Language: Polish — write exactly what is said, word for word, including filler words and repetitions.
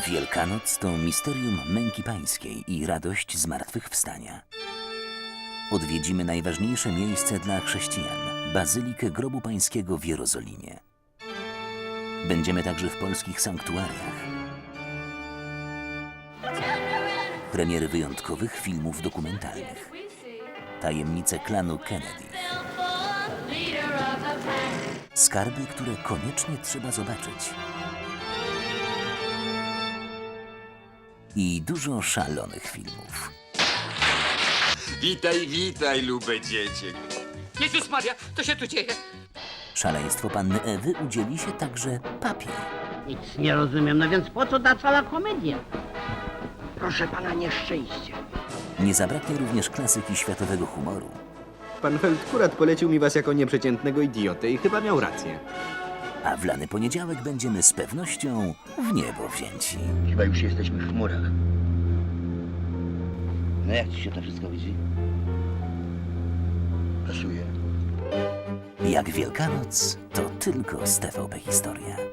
Wielkanoc to misterium męki pańskiej i radość zmartwychwstania. Odwiedzimy najważniejsze miejsce dla chrześcijan – Bazylikę Grobu Pańskiego w Jerozolimie. Będziemy także w polskich sanktuariach. Premiery wyjątkowych filmów dokumentalnych. Tajemnice klanu Kennedy. Skarby, które koniecznie trzeba zobaczyć. I dużo szalonych filmów. Witaj, witaj, lube dziecię. Jezus Maria, co się tu dzieje? Szaleństwo panny Ewy udzieli się także papie. Nic nie rozumiem, no więc po co ta cała komedia? Proszę pana, nieszczęście. Nie zabraknie również klasyki światowego humoru. Pan Feldkurat polecił mi was jako nieprzeciętnego idiotę i chyba miał rację. A w lany poniedziałek będziemy z pewnością w niebo wzięci. Chyba już jesteśmy w chmurach. No jak ci się to wszystko widzi? Pasuje. Jak Wielkanoc, to tylko z T V P Historia.